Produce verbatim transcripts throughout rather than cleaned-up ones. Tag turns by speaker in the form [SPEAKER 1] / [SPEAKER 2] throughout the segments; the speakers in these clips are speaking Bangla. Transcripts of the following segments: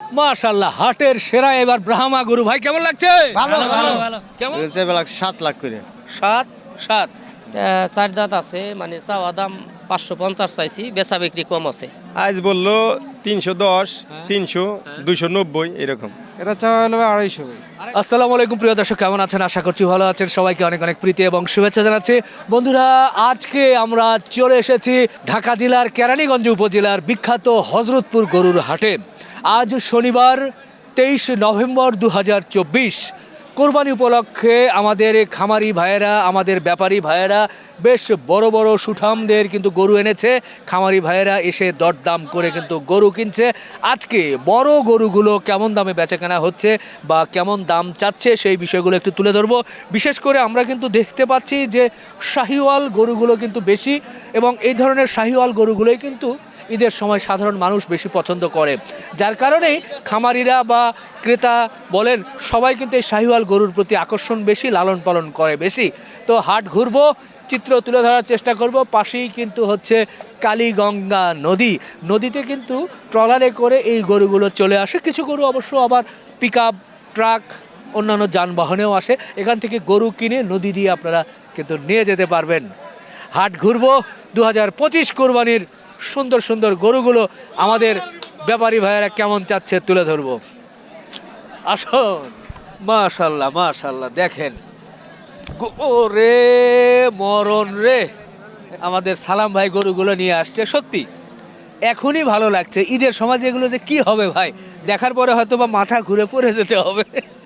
[SPEAKER 1] মাশাআল্লাহ, হাটের সেরা এবার ব্রাহ্মা গরু। ভাই কেমন লাগছে?
[SPEAKER 2] ভালো ভালো
[SPEAKER 3] ভালো
[SPEAKER 1] কেমন?
[SPEAKER 2] সাত লাখ করে
[SPEAKER 1] সাত সাত
[SPEAKER 3] চার দাঁত আছে, মানে চাওয়া দাম পাঁচশো পঞ্চাশ চাইছি, বেচা বিক্রি কম আছে।
[SPEAKER 4] আজ বললো তিনশো দশ, তিনশো, দুইশো নব্বই এরকম।
[SPEAKER 2] এটা চাওয়া হলো আড়াইশো।
[SPEAKER 1] আসসালামু আলাইকুম প্রিয় দর্শক, কেমন আছেন? আশা করছি ভালো আছেন। সবাইকে অনেক অনেক প্রীতি এবং শুভেচ্ছা জানাচ্ছি। বন্ধুরা, আজকে আমরা চলে এসেছি ঢাকা জেলার কেরানীগঞ্জ উপজেলার বিখ্যাত হযরতপুর গরুর হাটে। আজ শনিবার তেইশ নভেম্বর দু হাজার চব্বিশ। কোরবানি উপলক্ষে আমাদের খামারি ভাইয়েরা, আমাদের ব্যাপারী ভাইয়েরা বেশ বড় বড় সুঠামদের কিন্তু গরু এনেছে। খামারি ভাইয়েরা এসে দরদাম করে কিন্তু গরু কিনছে। আজকে বড় গরুগুলো কেমন দামে বেচাকেনা হচ্ছে বা কেমন দাম চাচ্ছে সেই বিষয়গুলো একটু তুলে ধরবো। বিশেষ করে আমরা কিন্তু দেখতে পাচ্ছি যে শাহিওয়াল গরুগুলো কিন্তু বেশি, এবং এই ধরনের শাহিওয়াল গরুগুলোই কিন্তু ঈদের সময় সাধারণ মানুষ বেশি পছন্দ করে, যার কারণেই খামারিরা বা ক্রেতা বলেন সবাই কিন্তু এই শাহিওয়াল গরুর প্রতি আকর্ষণ বেশি, লালন পালন করে বেশি। তো হাট ঘুরবো, চিত্র তুলে ধরার চেষ্টা করব। পাশেই কিন্তু হচ্ছে কালীগঙ্গা নদী। নদীতে কিন্তু ট্রলারে করে এই গরুগুলো চলে আসে। কিছু গরু অবশ্য আবার পিক আপ, ট্রাক, অন্যান্য যানবাহনেও আসে। এখান থেকে গরু কিনে নদী দিয়ে আপনারা কিন্তু নিয়ে যেতে পারবেন। হাট ঘুরবো, দু হাজার পঁচিশ কোরবানির সুন্দর সুন্দর গরুগুলো আমাদের ব্যাপারী ভাইয়েরা কেমন চাচ্ছে তুলে ধরবো। আসুন। মাশাল্লাহ মাশাল্লাহ, দেখেন ওরে মরণ রে, আমাদের সালাম ভাই গরুগুলো নিয়ে আসছে। সত্যি এখনই ভালো লাগছে। ঈদের সময় এগুলোতে কি হবে ভাই, দেখার পরে হয়তো বা মাথা ঘুরে পড়ে যেতে হবে।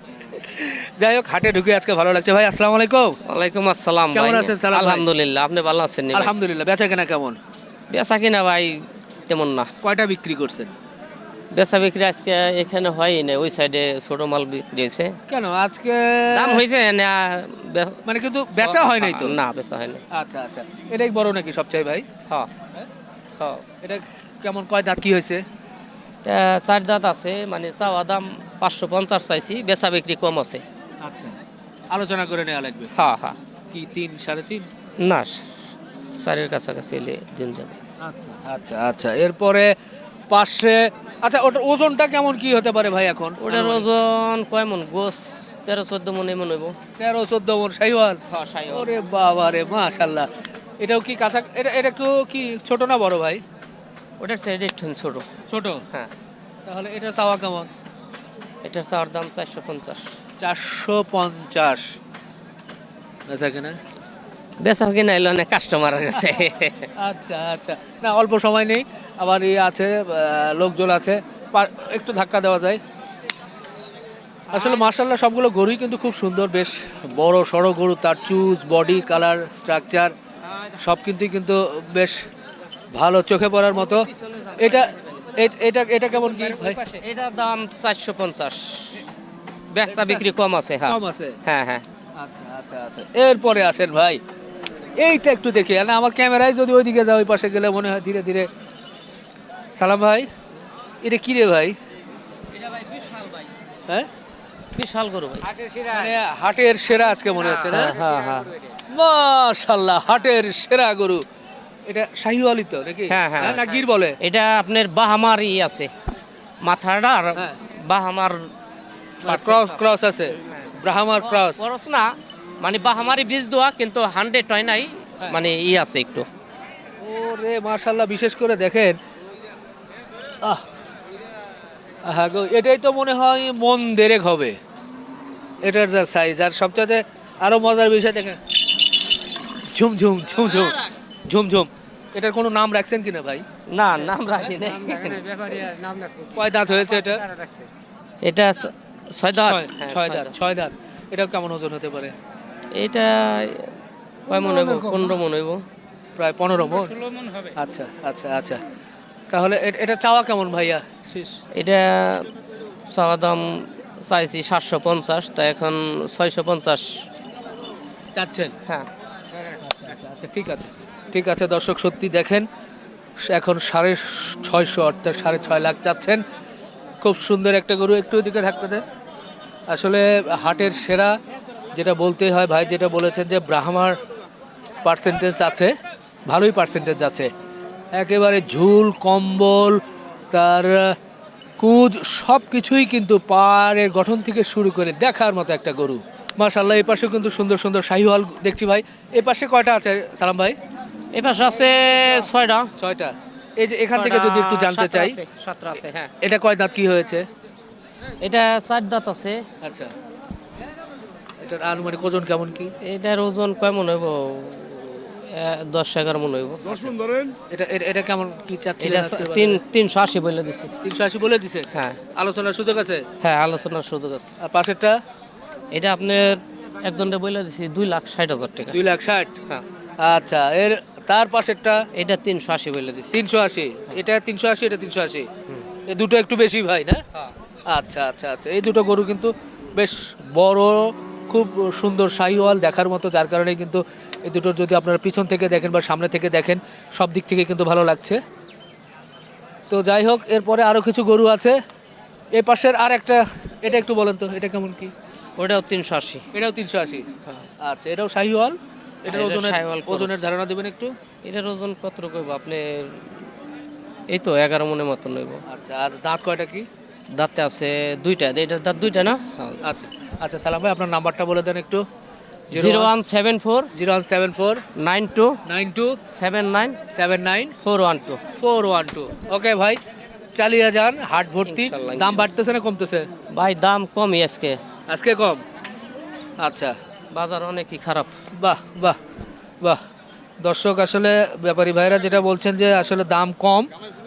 [SPEAKER 1] যাই হোক, হাটে ঢুকে আজকে ভালো লাগছে। ভাই আসসালামু আলাইকুম।
[SPEAKER 3] ওয়ালাইকুম আসসালাম।
[SPEAKER 1] কেমন
[SPEAKER 3] ভাই?
[SPEAKER 1] আছেন সালাম ভাই?
[SPEAKER 3] আলহামদুলিল্লাহ, আপনি ভালো আছেন?
[SPEAKER 1] আলহামদুলিল্লাহ। বেচা কেনা কেমন?
[SPEAKER 3] বেচা কিনা ভাই তেমন না।
[SPEAKER 1] কয়টা বিক্রি করছেন?
[SPEAKER 3] বেচা বিক্রি আজকে এখানে হয়ই না, ওই সাইডে ছোট মাল বিক্রি হয়েছে।
[SPEAKER 1] কেন আজকে
[SPEAKER 3] দাম হয়েছে না, বে-
[SPEAKER 1] মানে কিন্তু বেচা হয় নাই তো?
[SPEAKER 3] না, বেচা হয়নি।
[SPEAKER 1] আচ্ছা আচ্ছা, এটাই বড় নাকি সবচেয়ে ভাই?
[SPEAKER 3] হ্যাঁ হ্যাঁ।
[SPEAKER 1] এটা কেমন, কয় দাঁত, কি হয়েছে?
[SPEAKER 3] এটা চার দাঁত আছে, মানে চাওয়া দাম পাঁচশো পঞ্চাশ চাইছি, বেচা বিক্রি কম আছে।
[SPEAKER 1] আচ্ছা, আলোচনা করে নেওয়া লাগবে।
[SPEAKER 3] হ্যাঁ হ্যাঁ।
[SPEAKER 1] কি তিন সাড়ে তিন?
[SPEAKER 3] না, চারের কাছাকাছি এলে দিন যাবে।
[SPEAKER 1] আচ্ছা আচ্ছা আচ্ছা, এরপরে পাশে, আচ্ছা ওটার ওজনটা কেমন কি হতে পারে ভাই এখন?
[SPEAKER 3] ওটার ওজন কয় মন? গোস তেরো চোদ্দ মন এমন হইব।
[SPEAKER 1] তেরো চোদ্দ মন শাহিওয়াল?
[SPEAKER 3] হ্যাঁ, শাহিওয়াল।
[SPEAKER 1] ওরে বাবা রে, মাশাল্লাহ। এটাও কি কাঁচা? এটা এটা একটু কি ছোট না বড় ভাই?
[SPEAKER 3] ওটার সাইড একটু ছোট।
[SPEAKER 1] ছোট?
[SPEAKER 3] হ্যাঁ।
[SPEAKER 1] তাহলে এটা চাওয়া কেমন?
[SPEAKER 3] এটার তার দাম চারশো পঞ্চাশ।
[SPEAKER 1] চারশো পঞ্চাশ বেচা কেনা?
[SPEAKER 3] বেচা কিনা এলো না, কাস্টমার গেছে।
[SPEAKER 1] আচ্ছা আচ্ছা, না অল্প সময় নেই, আবার ইয়ে আছে, আহ, লোকজন আছে, পা- একটু ধাক্কা দেওয়া যায়। আসলে মার্শাল্লাহ সবগুলো গরুই কিন্তু খুব সুন্দর, বেশ বড় সড়ো গরু। তার চুজ, বডি, কালার, স্ট্রাকচার সব কিন্তু কিন্তু বেশ ভালো, চোখে পড়ার মতো। এটা এ- এটা এটা কেমন কি ভাই?
[SPEAKER 3] এটার দাম চারশো পঞ্চাশ, বেচা বিক্রি কম আছে। হ্যাঁ
[SPEAKER 1] কম আছে?
[SPEAKER 3] হ্যাঁ হ্যাঁ।
[SPEAKER 1] আচ্ছা আচ্ছা আচ্ছা, এরপরে আসেন ভাই, এইটা একটু দেখি না, আমার ক্যামেরায় যদি ওইদিকে যায়, ওই পাশে গেলে মনে হয় ধীরে ধীরে। সালাম ভাই, এটা কি রে ভাই? হ্যাঁ,
[SPEAKER 3] বিশাল গরু ভাই।
[SPEAKER 1] মানে হাটের সেরা আজকে মনে হচ্ছে না?
[SPEAKER 3] হ্যাঁ হ্যাঁ
[SPEAKER 1] মাশাআল্লাহ, হাটের সেরা গরু। এটা শাহিওয়ালি তো নাকি?
[SPEAKER 3] হ্যাঁ, হ্যাঁ।
[SPEAKER 1] না গির বলে?
[SPEAKER 3] এটা আপনার বাহামার ই আছে, মাথাটা আর
[SPEAKER 1] হ্যাঁ।
[SPEAKER 3] বাহামার
[SPEAKER 1] ক্রস ক্রস আছে, ব্রাহ্মার ক্রস।
[SPEAKER 3] খরচ না, মানে বাহামারি বীজ দেওয়া, কিন্তু হান্ড্রেড হয় নাই, মানে ই আছে একটু।
[SPEAKER 1] ওরে মাশাআল্লাহ, বিশেষ করে দেখেন, আহ আহা গো, এটাই তো মনে হয় মন দেরেক হবে, এটার যা সাইজ। আর সবচেয়ে আরো মজার বিষয় দেখেন, ঝুমঝুম ঝুমঝুম ঝুমঝুম। এটার কোনো নাম রাখছেন কিনা ভাই?
[SPEAKER 3] না, নাম রাখি নাই।
[SPEAKER 1] কয় দাঁত হয়েছে এটা?
[SPEAKER 3] এটা ছয় দাঁত।
[SPEAKER 1] ছয়-
[SPEAKER 3] হ্যাঁ,
[SPEAKER 1] ছয় দাঁত। ছয় দাঁত। এটাও কেমন ওজন হতে পারে?
[SPEAKER 3] এটা কয় মন হইব? পনেরো মন হইব।
[SPEAKER 1] প্রায় পনেরো মন। আচ্ছা আচ্ছা আচ্ছা, তাহলে এ- এটা চাওয়া কেমন ভাইয়া? শেষ
[SPEAKER 3] এটা চাওয়া দাম চাইছি সাতশো পঞ্চাশ, তা এখন ছয়শো পঞ্চাশ
[SPEAKER 1] চাচ্ছেন?
[SPEAKER 3] হ্যাঁ।
[SPEAKER 1] আচ্ছা আচ্ছা, ঠিক আছে ঠিক আছে। দর্শক সত্যি দেখেন, এখন সাড়ে ছয়শো অর্থাৎ সাড়ে ছয় লাখ চাচ্ছেন। খুব সুন্দর একটা গরু। একটু ওদিকে থাকতে দেন। আসলে হাটের সেরা যেটা বলতে হয় ভাই, যেটা বলেছেন যে ব্রাহ্মার পার্সেন্টেজ আছে, ভালোই পার্সেন্টেজ আছে। একেবারে ঝুল, কম্বল, তার কুঁজ সব কিছুই কিন্তু পাড়ের গঠন থেকে শুরু করে দেখার মতো একটা গরু। মাশাআল্লাহ, এই পাশে কিন্তু সুন্দর সুন্দর শাহিওয়াল দেখছি ভাই। এই পাশে কয়টা আছে সালাম ভাই?
[SPEAKER 3] এই পাশে আছে ছয়টা।
[SPEAKER 1] ছয়টা। এই যে এখান থেকে যদি একটু জানতে চাই,
[SPEAKER 3] সাতটা আছে, হ্যাঁ।
[SPEAKER 1] এটা কয় দাঁত কি হয়েছে?
[SPEAKER 3] এটা চার দাঁত আছে।
[SPEAKER 1] আচ্ছা, এটার আনুমানিক ওজন কেমন কি?
[SPEAKER 3] এটার ওজন কয় মন হইব? এ, দশ এগারো মন হইব।
[SPEAKER 1] এটা এটা- এটা কেমন কি
[SPEAKER 3] এটা
[SPEAKER 1] চাচ্ছিলেন আজকের
[SPEAKER 3] তিন
[SPEAKER 1] বাজারে?
[SPEAKER 3] তিনশো আশি বলে দিছি।
[SPEAKER 1] তিনশো আশি বলে দিছে?
[SPEAKER 3] হ্যাঁ
[SPEAKER 1] আলোচনার সুযোগ আছে?
[SPEAKER 3] হ্যাঁ, আলোচনার সুযোগ আছে।
[SPEAKER 1] আর পাশেরটা?
[SPEAKER 3] এটা আপনার একজনটা বলে দিছি দুই লাখ ষাট হাজার টাকা।
[SPEAKER 1] দুই লাখ ষাট।
[SPEAKER 3] হ্যাঁ,
[SPEAKER 1] আচ্ছা, এর তার পাশেরটা
[SPEAKER 3] এটা তিনশো আশি বলে দিছি।
[SPEAKER 1] তিনশো আশি। এটা তিনশো আশি, এটা তিনশো আশি। এই দুটো একটু বেশি ভাই না? আচ্ছা আচ্ছা আচ্ছা, এই দুটো গরু কিন্তু বেশ বড়, খুব সুন্দর শাহিওয়াল দেখার মতো, যার কারণে কিন্তু এই দুটো যদি আপনারা পিছন থেকে দেখেন বা সামনে থেকে দেখেন সব দিক থেকে কিন্তু ভালো লাগছে। তো যাই হোক, এরপরে আরও কিছু গরু আছে। এই পাশের আর একটা, এটা একটু বলেন তো, এটা কেমন কি?
[SPEAKER 3] ওটাও তিনশো আশি।
[SPEAKER 1] এটাও তিনশো আশি। আচ্ছা, এটাও শাহিওয়াল। এটার
[SPEAKER 3] এটা
[SPEAKER 1] ওজনের
[SPEAKER 3] শাহিওয়াল ক্রস।
[SPEAKER 1] ওজনের ধারণা দেবেন একটু?
[SPEAKER 3] এটার ওজন কত রকম আপনার? এই তো এগারো মনের মতন হইব।
[SPEAKER 1] আচ্ছা, আর দাঁত কয়টা কি?
[SPEAKER 3] দাঁতে আছে দুইটা। এটার দাঁত দুইটা না?
[SPEAKER 1] আচ্ছা আচ্ছা, সালাম ভাই আপনার নাম্বারটা বলে দেন একটু।
[SPEAKER 3] Zero one seven four
[SPEAKER 1] zero one seven four
[SPEAKER 3] nine two
[SPEAKER 1] nine two
[SPEAKER 3] seven nine
[SPEAKER 1] seven nine
[SPEAKER 3] four one two.
[SPEAKER 1] Four one two. Okay ভাই, চালিয়ে যান, হাট ভর্তি।
[SPEAKER 3] ইনশাল্লাহ,
[SPEAKER 1] দাম বাড়তেছে না কমতেছে?
[SPEAKER 3] ভাই দাম কমই আজকে,
[SPEAKER 1] আজকে কম। আচ্ছা,
[SPEAKER 3] বাজার অনেকই খারাপ।
[SPEAKER 1] বাহ বাহ বাহ। দর্শক, আসলে ব্যাপারী ভাইরা যেটা বলছেন যে আসলে দাম কম,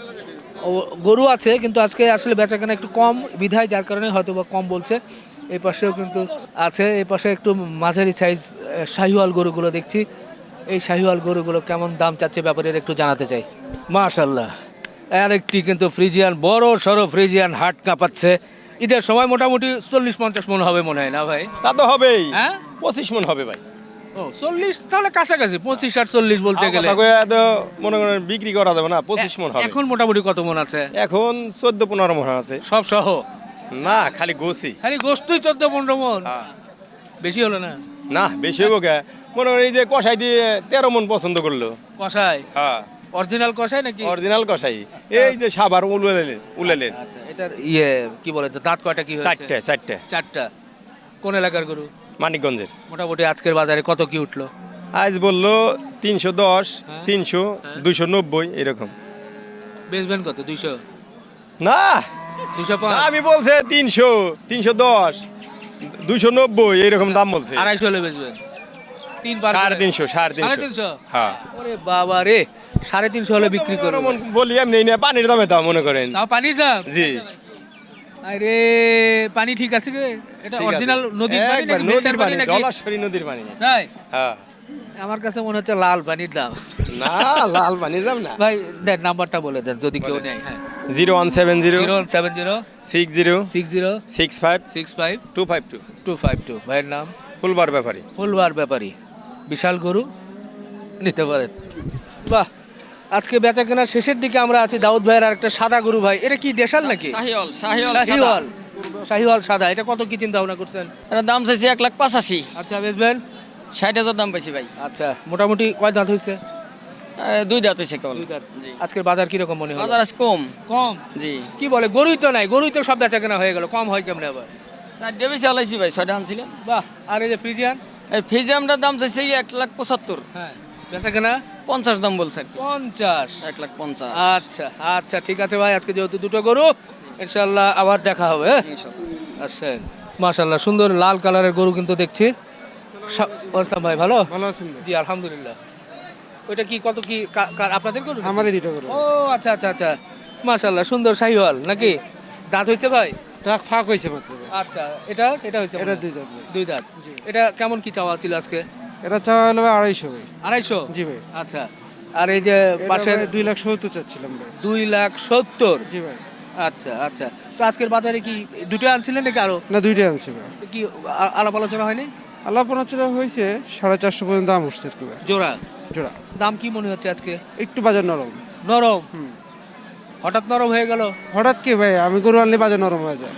[SPEAKER 1] ও গরু আছে কিন্তু আজকে আসলে বেচাকেনা একটু কম বিধায়, যার কারণে হয়তো বা কম বলছে। এই পাশেও কিন্তু আছে, এই পাশে একটু মাঝারি সাইজ শাহিওয়াল গরুগুলো দেখছি। এই শাহিওয়াল গরুগুলো কেমন দাম চাচ্ছে ব্যাপারীর একটু জানাতে চাই। মাশাল্লাহ, আরেকটি কিন্তু ফ্রিজিয়ান, বড় সড়ো ফ্রিজিয়ান হাট কাঁপাচ্ছে। ঈদের সময় মোটামুটি চল্লিশ পঞ্চাশ মন হবে মনে হয় না ভাই?
[SPEAKER 4] তা তো হবেই,
[SPEAKER 1] হ্যাঁ,
[SPEAKER 4] পঁচিশ মন হবে ভাই।
[SPEAKER 1] ও চল্লিশ, তাহলে কাছাকাছি পঁচিশ আর চল্লিশ বলতে গেলে।
[SPEAKER 4] কথা কইয়া তো মনে করেন বিক্রি করা যাবে না, পঁচিশ মন হবে।
[SPEAKER 1] এখন মোটামুটি কত মন আছে?
[SPEAKER 4] এখন চোদ্দ পনেরো মন আছে।
[SPEAKER 1] সব সহ?
[SPEAKER 4] না, খালি গোছি।
[SPEAKER 1] খালি গোস্তই চোদ্দ পনেরো মন?
[SPEAKER 4] হ্যাঁ।
[SPEAKER 1] বেশি হলো না?
[SPEAKER 4] না, বেশি হবো কে? মনে করেন এই যে কষাই দিয়ে তেরো মন পছন্দ করলো।
[SPEAKER 1] কষাই?
[SPEAKER 4] হ্যাঁ,
[SPEAKER 1] অরিজিনাল কষাই নাকি?
[SPEAKER 4] অরিজিনাল কষাই। এই যে সাবার উলেলেন উলেলেন
[SPEAKER 1] আচ্ছা, এটার ইয়ে কি বলে তো, দাঁত কয়টা কি হয়েছে?
[SPEAKER 4] চারটে চারটে
[SPEAKER 1] চারটা। কোন এলাকার গরু?
[SPEAKER 4] মানিকগঞ্জের।
[SPEAKER 1] মোটামুটি আজকের বাজারে কত কি উঠলো?
[SPEAKER 4] আজ বললো তিনশো দশ,
[SPEAKER 1] হ্যাঁ।
[SPEAKER 4] তিনশো, দুইশো নব্বই এরকম।
[SPEAKER 1] বেচবেন কত? দুইশো?
[SPEAKER 4] না,
[SPEAKER 1] দুইশো পাঁচ?
[SPEAKER 4] আমি বলছে তিনশো, তিনশো দশ, দুইশো নব্বই এরকম দাম বলছে।
[SPEAKER 1] আড়াইশো হলে বেচবেন? তিন পার
[SPEAKER 4] সাড়ে
[SPEAKER 1] করে?
[SPEAKER 4] তিনশো, সাড়ে
[SPEAKER 1] সাড়ে
[SPEAKER 4] তিনশো।
[SPEAKER 1] তিনশো?
[SPEAKER 4] হ্যাঁ,
[SPEAKER 1] ওরে বাবা রে, সাড়ে তিনশো হলে বিক্রি করবো?
[SPEAKER 4] এমন বলি এমনি না, পানির দামে দাম মনে করেন।
[SPEAKER 1] তাও পানির দাম?
[SPEAKER 4] জি,
[SPEAKER 1] আরে পানি ঠিক আছে রে? এটা
[SPEAKER 4] ঠিক আছে।
[SPEAKER 1] অরিজিনাল নদীর পানি
[SPEAKER 4] একবার
[SPEAKER 1] নাকি
[SPEAKER 4] নদীর
[SPEAKER 1] মেঘনার
[SPEAKER 4] পানি,
[SPEAKER 1] পানি নাকি?
[SPEAKER 4] জলাশয় নদীর পানি।
[SPEAKER 1] তাই?
[SPEAKER 4] হ্যাঁ,
[SPEAKER 1] আমার কাছে মনে হচ্ছে লাল পানির দাম।
[SPEAKER 4] না, লাল পানির দাম না।
[SPEAKER 1] ভাই দেন, নাম্বারটা বলে দেন যদি কেউ নেয়। হ্যাঁ,
[SPEAKER 4] zero one seven zero
[SPEAKER 1] zero seven zero
[SPEAKER 4] six zero
[SPEAKER 1] six zero
[SPEAKER 4] six five
[SPEAKER 1] six five
[SPEAKER 4] two five two.
[SPEAKER 1] Two five two. ভাইয়ের নাম?
[SPEAKER 4] ফুলবার ব্যাপারী।
[SPEAKER 1] ফুলবার ব্যাপারী। বিশাল গরু, নিতে পারেন। বাহ, আজকে বেচা কেনার শেষের দিকে আমরা আছি। দাউদ ভাইয়ের আর একটা সাদা গরু ভাই, এটা কি দেশাল নাকি?
[SPEAKER 3] শাহিওয়াল, শাহিওয়াল,
[SPEAKER 1] শাহিওয়াল। শাহিওয়াল সাদা, এটা কত কি চিন্তা ভাবনা করছেন?
[SPEAKER 3] এটার দাম চাইছি এক লাখ পঁচাশি।
[SPEAKER 1] আচ্ছা, বেচবেন?
[SPEAKER 3] ষাট হাজার দাম পাইছি ভাই।
[SPEAKER 1] আচ্ছা, মোটামুটি কয় দাঁত হয়েছে?
[SPEAKER 3] দুই দাঁত হয়েছে কেবল।
[SPEAKER 1] দুই দাঁত।
[SPEAKER 3] জি।
[SPEAKER 1] আজকের বাজার কিরকম মনে হলো?
[SPEAKER 3] বাজার আজ কম।
[SPEAKER 1] কম?
[SPEAKER 3] জি,
[SPEAKER 1] কি বলে, গরুই তো নাই, গরুই তো সব বেচা কেনা হয়ে গেল, কম হয় কেমনে আবার?
[SPEAKER 3] চারটে বেশি আলাইছি ভাই, ছয়টা আনছিলাম।
[SPEAKER 1] বাহ, আর এই যে ফ্রিজিয়ান?
[SPEAKER 3] এই ফিজিয়ামটার দাম চাইছে এক লাখ পঁচাত্তর।
[SPEAKER 1] হ্যাঁ, বেচা কেনা?
[SPEAKER 3] পঞ্চাশ দাম বলছে আর কি।
[SPEAKER 1] পঞ্চাশ?
[SPEAKER 3] এক লাখ পঞ্চাশ।
[SPEAKER 1] আচ্ছা আচ্ছা, ঠিক আছে ভাই, আজকে যেহেতু দুটো গরু, ইনশাল্লাহ আবার দেখা হবে। আচ্ছা, মাশাল্লাহ, সুন্দর লাল কালারের গরু কিন্তু দেখছি। সা- আসসালাম ভাই, ভালো?
[SPEAKER 2] ভালো আছেন?
[SPEAKER 1] জি আলহামদুলিল্লাহ। ওইটা কি কত কি কা- কার- আপনাদের গরু?
[SPEAKER 2] আমারই দুটো করে।
[SPEAKER 1] ও আচ্ছা আচ্ছা আচ্ছা, মাশাল্লাহ, সুন্দর শাহিওয়াল নাকি? দাঁত হয়েছে ভাই?
[SPEAKER 2] ট্রাক ফাঁক হয়েছে মাত্র ভাই।
[SPEAKER 1] আচ্ছা, এটা এটা হয়েছে?
[SPEAKER 2] এটা দুই দাঁত ভাই।
[SPEAKER 1] দুই দাঁত। এটা কেমন কি চাওয়া ছিল আজকে?
[SPEAKER 2] এটা চাওয়া হলো ভাই আড়াইশো ভাই।
[SPEAKER 1] আড়াইশো?
[SPEAKER 2] জি ভাই।
[SPEAKER 1] আচ্ছা, আর এই যে
[SPEAKER 2] এটা
[SPEAKER 1] পাশের?
[SPEAKER 2] ভাই দুই লাখ সত্তর চাচ্ছিলাম ভাই।
[SPEAKER 1] দুই লাখ সত্তর?
[SPEAKER 2] জি ভাই।
[SPEAKER 1] আচ্ছা আচ্ছা, তো আজকের বাজারে কি দুটো আনছিলেন নাকি আরো?
[SPEAKER 2] না, দুইটাই আনছি ভাই।
[SPEAKER 1] কি আ- আলাপ আলোচনা হয়নি?
[SPEAKER 2] আল্লাহ পনেরো হয়েছে, সাড়ে চারশো পর্যন্ত দাম উঠছে আর কি ভাই।
[SPEAKER 1] জোড়া?
[SPEAKER 2] জোড়া।
[SPEAKER 1] দাম কি মনে হচ্ছে আজকে?
[SPEAKER 2] একটু বাজার নরম।
[SPEAKER 1] নরম?
[SPEAKER 2] হুম।
[SPEAKER 1] হঠাৎ নরম হয়ে গেল?
[SPEAKER 2] হঠাৎ কি ভাই, আমি গরু আনলে বাজার নরম হয়ে যায়।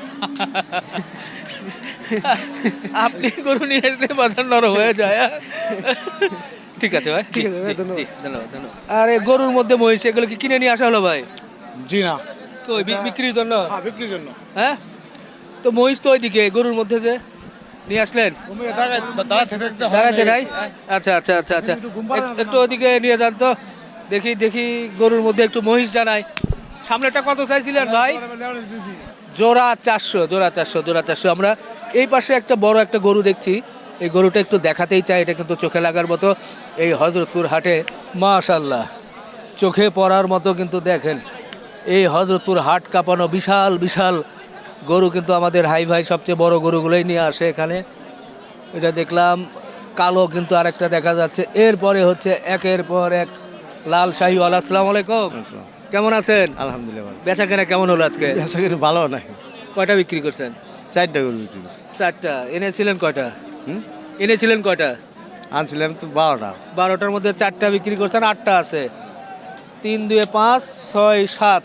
[SPEAKER 1] আপনি গরু নিয়ে আসলে বাজার নরম হয়ে যায়? হ্যাঁ? ঠিক আছে ভাই,
[SPEAKER 2] ঠিক আছে ভাই,
[SPEAKER 1] জি,
[SPEAKER 2] ধন্যবাদ।
[SPEAKER 1] জি, ধন্যবাদ ধন্যবাদ। আরে গরুর মধ্যে মহিষ, এগুলো কি কিনে নিয়ে আসা হলো ভাই?
[SPEAKER 5] জি না,
[SPEAKER 1] কই বি- বিক্রির জন্য
[SPEAKER 5] হ্যাঁ বিক্রির জন্য
[SPEAKER 1] হ্যাঁ তো মহিষ তো ওইদিকে গরুর মধ্যে যে নিয়ে আসলেন দাঁড়াতে নাই আচ্ছা আচ্ছা আচ্ছা আচ্ছা এক- একটু ওইদিকে নিয়ে যান তো দেখি দেখি গরুর মধ্যে একটু মহিষ জানাই সামনেটা কত চাইছিলেন ভাই জোড়া চারশো জোড়া চারশো জোড়া চারশো আমরা এই পাশে একটা বড় একটা গরু দেখছি এই গরুটা একটু দেখাতেই চাই এটা কিন্তু চোখে লাগার মতো এই হজরতপুর হাটে মাশাল্লাহ চোখে পড়ার মতো কিন্তু দেখেন এই হজরতপুর হাট কাঁপানো বিশাল বিশাল গরু কিন্তু আমাদের হাই ভাই সবচেয়ে বড় গরুগুলোই নিয়ে আসে এখানে এটা দেখলাম কালো কিন্তু আরেকটা দেখা যাচ্ছে এরপরে হচ্ছে একের পর এক লাল শাহিওয়াল আসসালামু আলাইকুম কেমন আছেন
[SPEAKER 6] আলহামদুলিল্লাহ
[SPEAKER 1] বেচা কেনা কেমন হলো আজকে
[SPEAKER 6] বেচা কিন্তু ভালো নাই
[SPEAKER 1] কয়টা বিক্রি করছেন
[SPEAKER 6] চারটা গরু বিক্রি করছি
[SPEAKER 1] চারটা এনেছিলেন কয়টা
[SPEAKER 6] হুম?
[SPEAKER 1] এনেছিলেন কয়টা
[SPEAKER 6] আনছিলাম তো বারোটা
[SPEAKER 1] বারোটার মধ্যে চারটা বিক্রি করছেন আটটা আছে তিন দুয়ে পাঁচ ছয় সাত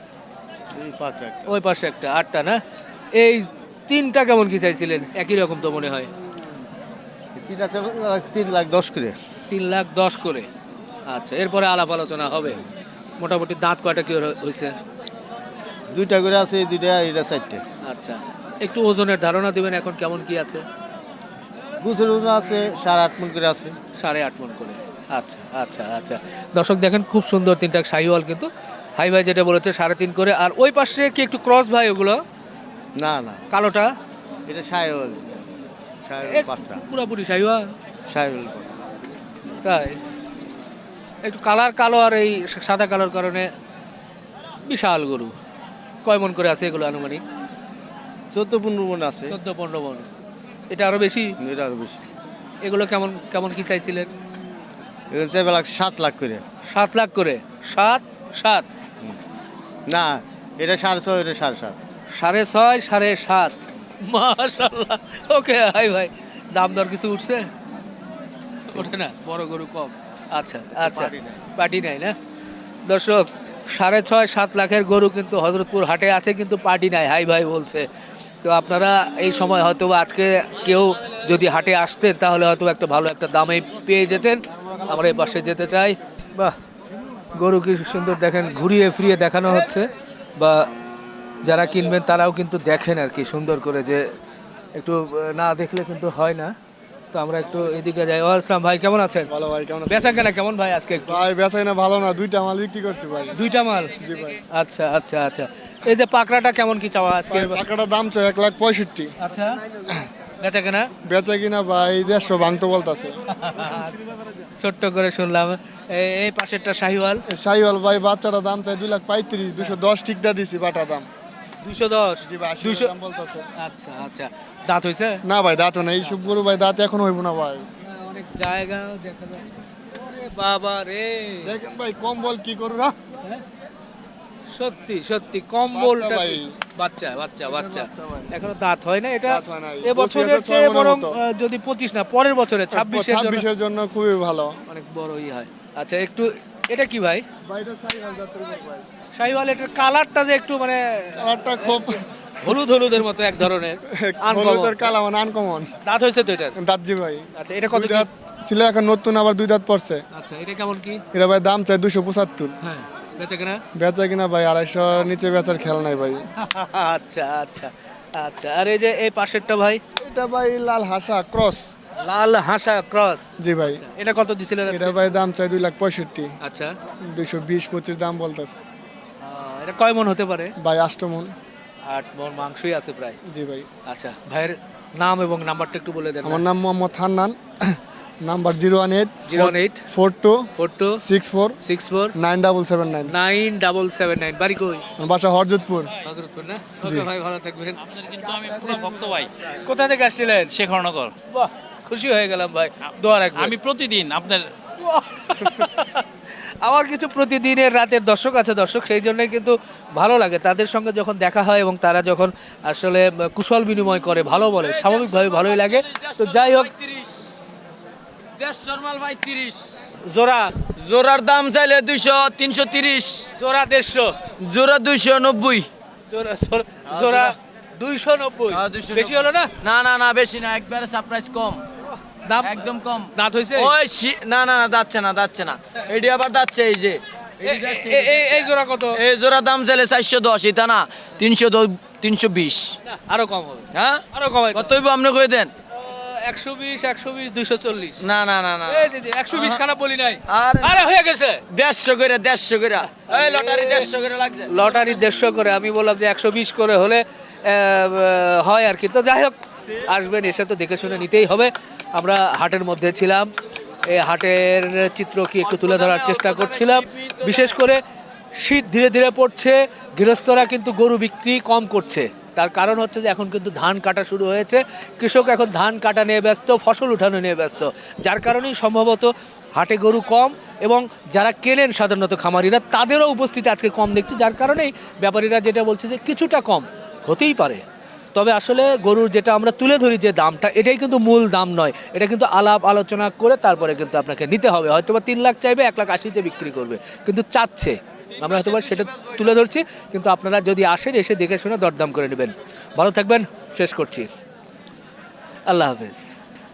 [SPEAKER 1] ওই পাশে একটা আটটা না এই তিনটা কেমন কি চাইছিলেন একই রকম তো মনে হয়
[SPEAKER 6] তিনটা তিন লাখ দশ করে
[SPEAKER 1] তিন লাখ দশ করে আচ্ছা এরপরে আলাপ আলোচনা হবে মোটামুটি দাঁত কয়টা কি ওর- হয়েছে
[SPEAKER 6] দুইটা করে আছে এই দুইটা এটা চারটে
[SPEAKER 1] আচ্ছা একটু ওজনের ধারণা দিবেন এখন কেমন কি আছে
[SPEAKER 6] গুছের ওজন আছে সাড়ে আট মন করে আছে
[SPEAKER 1] সাড়ে আট মন করে আচ্ছা আচ্ছা আচ্ছা দর্শক দেখেন খুব সুন্দর তিনটা শাহিওয়াল কিন্তু হাই ভাই যেটা বলেছে সাড়ে তিন করে আর ওই পাশে কি একটু ক্রস ভাই ওগুলো
[SPEAKER 6] না না
[SPEAKER 1] কালোটা
[SPEAKER 6] এটা সায়ল সায়ল
[SPEAKER 1] এক-
[SPEAKER 6] পাঁচটা
[SPEAKER 1] পুরাপুরি শাহিওয়াল
[SPEAKER 6] সায়ল
[SPEAKER 1] তাই একটু কালার কালো আর এই সাদা কালোর কারণে বিশাল গরু কয় মন করে আছে এগুলো আনুমানিক
[SPEAKER 6] চোদ্দ পনেরো মন আছে
[SPEAKER 1] চোদ্দ পনেরো মন এটা আরো বেশি
[SPEAKER 6] এটা আরো বেশি
[SPEAKER 1] এগুলো কেমন কেমন কি চাইছিলেন
[SPEAKER 6] এগুলো চাইবে লাখ সাত লাখ করে
[SPEAKER 1] সাত লাখ করে সাত সাত
[SPEAKER 6] না এটা সাড়ে ছয় এটা সাড়ে সাত
[SPEAKER 1] সাড়ে ছয় সাড়ে সাত মাশাল্লাহ ওকে হাই ভাই দাম দর কিছু উঠছে ওঠে না বড় গরু কম আচ্ছা আচ্ছা পার্টি নাই না দর্শক সাড়ে ছয় সাত লাখের গরু কিন্তু হজরতপুর হাটে আছে কিন্তু পার্টি নাই হাই ভাই বলছে তো আপনারা এই সময় হয়তো বা আজকে কেউ যদি হাটে আসতেন তাহলে হয়তো একটা ভালো একটা দামে পেয়ে যেতেন আমরা এই পাশে যেতে চাই বাহ গরু কি সুন্দর দেখেন ঘুরিয়ে ফিরিয়ে দেখানো হচ্ছে বা যারা কিনবেন তারাও কিন্তু দেখেন আর কি সুন্দর করে যে একটু আহ, না দেখলে কিন্তু হয় না তো আমরা একটু এদিকে যাই ওয়ালাইকুম ভাই কেমন আছেন
[SPEAKER 5] ভালো ভাই কেমন আছেন
[SPEAKER 1] বেচা কেনা কেমন ভাই আজকে একটু
[SPEAKER 5] ভাই বেচাই না ভালো না দুইটা মাল বিক্রি করছি ভাই
[SPEAKER 1] দুইটা মাল
[SPEAKER 5] জি ভাই
[SPEAKER 1] আচ্ছা আচ্ছা আচ্ছা এই যে পাকড়াটা কেমন কি চাওয়া আজকে
[SPEAKER 5] ভাই টাকাটার দাম চাই এক লাখ পঁয়ষট্টি
[SPEAKER 1] আচ্ছা বেচা কেনা
[SPEAKER 5] বেচা কিনা ভাই দেড়শো ভাঙতে বলতেছে
[SPEAKER 1] ছোট্ট করে শুনলাম এই- এই পাশেরটা শাহিওয়াল
[SPEAKER 5] শাহিওয়াল ভাই বাচ্চাটা দাম চাই দুই লাখ পঁয়ত্রিশ দুশো দশ টিকটা দিছি বাটা দাম
[SPEAKER 1] দুইশো দশ
[SPEAKER 5] জি ভাই আশি
[SPEAKER 1] দুইশো
[SPEAKER 5] দাম বলতেছে
[SPEAKER 1] আচ্ছা আচ্ছা দাঁত হয়েছে
[SPEAKER 5] না ভাই দাঁত না এইসব গরু ভাই দাঁত এখন হইব না ভাই
[SPEAKER 1] অনেক জায়গা দেখা যাচ্ছে ওরে বাবা রে
[SPEAKER 5] দেখেন ভাই কম বল কি করু না
[SPEAKER 1] সত্যি সত্যি কম্বলটা
[SPEAKER 5] ভাই।
[SPEAKER 1] বাচ্চা বাচ্চা বাচ্চা
[SPEAKER 5] বাচ্চা ভাই।
[SPEAKER 1] এখনো দাঁত হয় না এটা
[SPEAKER 5] দাঁত হয় নাই।
[SPEAKER 1] এ বছরের
[SPEAKER 5] পঁচিশ
[SPEAKER 1] চেয়ে
[SPEAKER 5] হাজার
[SPEAKER 1] বরং
[SPEAKER 5] মতো।
[SPEAKER 1] আহ, যদি পঁচিশ না পরের বছরে ছাব্বিশের জন্য
[SPEAKER 5] ছাব্বিশের জন্য খুবই ভালো
[SPEAKER 1] অনেক বড় ই হয় আচ্ছা একটু এটা কি ভাই
[SPEAKER 5] ভাই এটা শাহিওয়াল জাতের গরু ভাই
[SPEAKER 1] শাহিওয়াল এটার কালারটা যে একটু মানে
[SPEAKER 5] কালারটা খুব
[SPEAKER 1] হলুদ হলুদের মতো এক ধরনের uncommon।
[SPEAKER 5] হলুদের কালা মানে আনকমন
[SPEAKER 1] দাঁত হয়েছে তো এটার
[SPEAKER 5] দাঁত জি ভাই
[SPEAKER 1] আচ্ছা এটা কত
[SPEAKER 5] দুই
[SPEAKER 1] কি
[SPEAKER 5] দাঁত ছিল এখন নতুন আবার দুই দাঁত পড়ছে
[SPEAKER 1] আচ্ছা এটা কেমন কি
[SPEAKER 5] এটা ভাই দাম চাই দুশো পঁচাত্তর
[SPEAKER 1] হ্যাঁ বেচা কেনা
[SPEAKER 5] বেচা কিনা ভাই আড়াইশো নিচে বেচার খেয়াল নাই ভাই
[SPEAKER 1] আচ্ছা আচ্ছা আচ্ছা আর এই যে এই পাশেরটা ভাই
[SPEAKER 5] এটা ভাই লাল হাসা ক্রস
[SPEAKER 1] লাল হাসা ক্রস
[SPEAKER 5] জি ভাই
[SPEAKER 1] এটা কত দিছিলেন আজকে?
[SPEAKER 5] এটা ভাই দাম চাই দুই লাখ পঁয়ষট্টি
[SPEAKER 1] আচ্ছা
[SPEAKER 5] দুইশো বিশ পঁচিশ দাম বলতেছে
[SPEAKER 1] আহ, এটা কয় মন হতে পারে
[SPEAKER 5] ভাই আষ্টমন
[SPEAKER 1] আট মন মাংসই আছে প্রায়
[SPEAKER 5] জি ভাই
[SPEAKER 1] আচ্ছা ভাইয়ের নাম এবং নাম্বারটা একটু বলে দেন
[SPEAKER 5] আমার নাম Mohammad Hannan number zero one eight
[SPEAKER 1] zero eight
[SPEAKER 5] four two
[SPEAKER 1] four two
[SPEAKER 5] six four
[SPEAKER 1] six four
[SPEAKER 5] nine double seven nine
[SPEAKER 1] nine double seven nine বাড়ি কই
[SPEAKER 5] বাসা হরজতপুর
[SPEAKER 1] হজরতপুর না ওকে ভাই ভালো থাকবেন
[SPEAKER 7] কিন্তু আমি পুরো ভক্ত ভাই
[SPEAKER 1] কোথা থেকে আসছিলেন
[SPEAKER 7] শেখরনগর
[SPEAKER 1] বাহ খুশি হয়ে গেলাম ভাই দোয়া রাখবেন
[SPEAKER 7] আমি প্রতিদিন আপনার
[SPEAKER 1] আমার কিছু প্রতিদিনের রাতের দর্শক আছে দর্শক সেই জন্যই কিন্তু ভালো লাগে তাদের সঙ্গে যখন দেখা হয় এবং তারা যখন আসলে কুশল বিনিময় করে ভালো বলে স্বাভাবিকভাবে ভালোই লাগে তো যাই হোক
[SPEAKER 7] দেড়শোর মাল ভাই তিরিশ
[SPEAKER 1] জোড়া
[SPEAKER 7] জোড়ার দাম চাইলে দুইশো তিনশো তিরিশ
[SPEAKER 1] জোড়া দেড়শো
[SPEAKER 7] জোড়া দুইশো নব্বই
[SPEAKER 1] জোড়া জোড়া- জোড়া দুইশো নব্বই বেশি হলো না
[SPEAKER 7] না না না বেশি না একবারে সারপ্রাইজ কম
[SPEAKER 1] দাম
[SPEAKER 7] একদম কম
[SPEAKER 1] দাঁত হয়েছে
[SPEAKER 7] ওই শি- না না না যাচ্ছে না যাচ্ছে না এডি আবার যাচ্ছে এই যে
[SPEAKER 1] এ- এ- এ- এই জোড়া কত?
[SPEAKER 7] এই জোড়া দাম চাইলে চারশো দশ এটা না তিনশো তিনশো বিশ
[SPEAKER 1] না, আরো কম হবে,
[SPEAKER 7] হ্যাঁ
[SPEAKER 1] আরো কমাই
[SPEAKER 7] কত হইব আপনি কই দেন
[SPEAKER 1] একশো বিশ একশো বিশ দুইশো চল্লিশ
[SPEAKER 7] না না না না
[SPEAKER 1] একশো বিশ খানা বলি নাই,
[SPEAKER 7] আরে
[SPEAKER 1] আরে হয়ে গেছে।
[SPEAKER 7] দেড়শো করে দেড়শো করে এই লটারি দেড়শো করে লাগছে
[SPEAKER 1] লটারি দেড়শো করে, আমি বললাম যে একশো বিশ করে হলে আহ, হয় আর কি। তো যাই হোক, আসবেন, এসে তো দেখে শুনে নিতেই হবে। আমরা হাটের মধ্যে ছিলাম, এই হাটের চিত্র কি একটু তুলে ধরার চেষ্টা করছিলাম। বিশেষ করে শীত ধীরে ধীরে পড়ছে, গৃহস্থরা কিন্তু গরু বিক্রি কম করছে। তার কারণ হচ্ছে যে এখন কিন্তু ধান কাটা শুরু হয়েছে, কৃষক এখন ধান কাটা নিয়ে ব্যস্ত, ফসল উঠানো নিয়ে ব্যস্ত, যার কারণেই সম্ভবত হাটে গরু কম, এবং যারা কেনেন সাধারণত খামারিরা তাদেরও উপস্থিতি আজকে কম দেখছি, যার কারণেই ব্যাপারীরা যেটা বলছে যে কিছুটা কম হতেই পারে। তবে আসলে গরুর যেটা আমরা তুলে ধরি যে দামটা, এটাই কিন্তু মূল দাম নয়, এটা কিন্তু আলাপ আলোচনা করে তারপরে কিন্তু আপনাকে নিতে হবে। হয়তো বা তিন লাখ চাইবে, এক লাখ আশিতে বিক্রি করবে, কিন্তু চাচ্ছে, আমরা হয়তো বা সেটা তুলে ধরছি। কিন্তু আপনারা যদি আসেন, এসে দেখে শুনে দরদাম করে নেবেন। ভালো থাকবেন, শেষ করছি, আল্লাহ হাফেজ।